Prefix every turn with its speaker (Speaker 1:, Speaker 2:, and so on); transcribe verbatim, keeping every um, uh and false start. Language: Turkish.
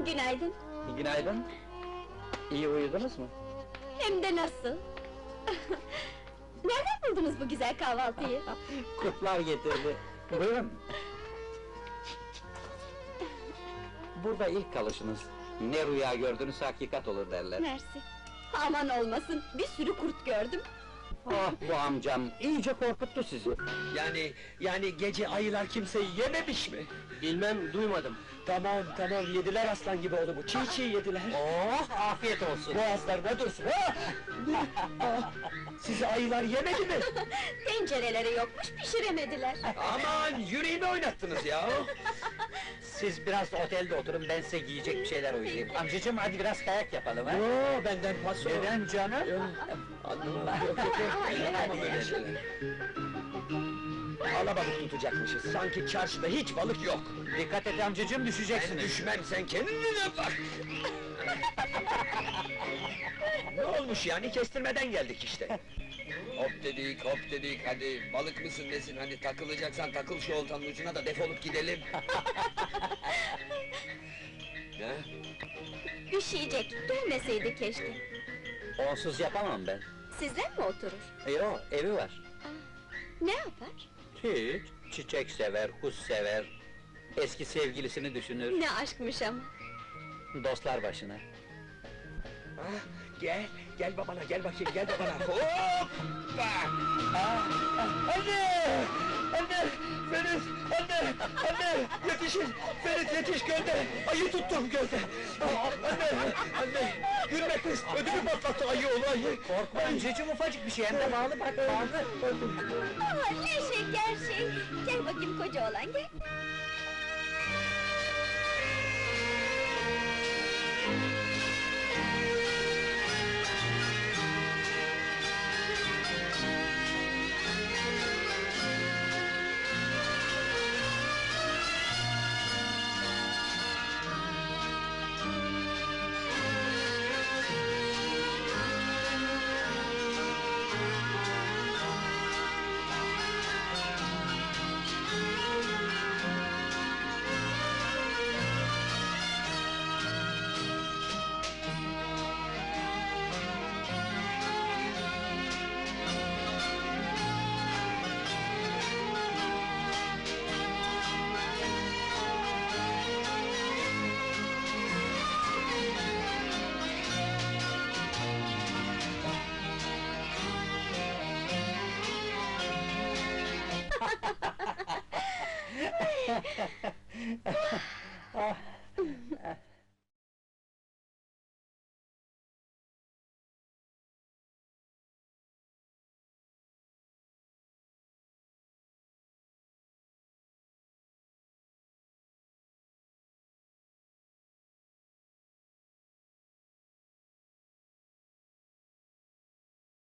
Speaker 1: Günaydın.
Speaker 2: Günaydın. İyi uyudunuz mu?
Speaker 1: Hem de nasıl? Nereden buldunuz bu güzel kahvaltıyı?
Speaker 2: Kurtlar getirdi. Buyurun. Burada ilk kalışınız. Ne rüya gördünüz hakikat olur derler.
Speaker 1: Mersi. Aman olmasın, bir sürü kurt gördüm.
Speaker 2: Ah bu amcam iyice korkuttu sizi.
Speaker 3: Yani, yani gece ayılar kimseyi yememiş mi?
Speaker 2: Bilmem duymadım.
Speaker 3: Tamam, tamam, yediler aslan gibi oğlumu, çiğ çiğ yediler.
Speaker 2: Oh afiyet olsun.
Speaker 3: Boğazlarına dursun, ha! Ah, sizi ayılar yemedi mi?
Speaker 1: Tencereleri yokmuş, pişiremediler.
Speaker 3: Aman, yüreğimi oynattınız ya!
Speaker 2: Siz biraz otelde oturun, ben size giyecek bir şeyler uygulayayım. Amcacığım hadi biraz kayak yapalım ha?
Speaker 3: Yoo, benden paso!
Speaker 2: Neden canım?
Speaker 3: Anlamam, yok yok yok, yapamam öyle şeyler. Alabalık tutacakmışız, sanki çarşıda hiç balık yok!
Speaker 2: Dikkat et amcacığım,
Speaker 3: Ben
Speaker 2: düşeceksiniz.
Speaker 3: düşmem, sen kendine bak! Ne olmuş yani, kestirmeden geldik işte! Hop dedik, hop dedik, hadi balık mısın nesin, hani takılacaksan takıl şu oltanın ucuna da defolup gidelim! Ne?
Speaker 1: Üşüyecek, gelmeseydi keşke.
Speaker 2: Onsuz yapamam ben.
Speaker 1: Sizden mi oturur?
Speaker 2: Yo, evi var.
Speaker 1: Ne yapar?
Speaker 2: Hiç, çiçek sever, kuş sever. Eski sevgilisini düşünür,
Speaker 1: Ne aşkmış ama!
Speaker 2: dostlar başına.
Speaker 3: Ah, gel, gel babana, gel bakayım, gel babana! Hoppa! Ah, ah, anne! Anne! Ferit! Anne! Anne! Yetişin! Ferit yetiş gölde! Ayı tuttum gölde! Ah, anne! Anne! Gülme kız! Ödümü patlattı ayı oğlu ayı!
Speaker 2: Korkma amcacığım, ufacık bir şey, hem de bağlı bak, bağlı.
Speaker 1: Aa, ne şeker şey! Gel bakayım koca oğlan, gel!
Speaker 2: Ah,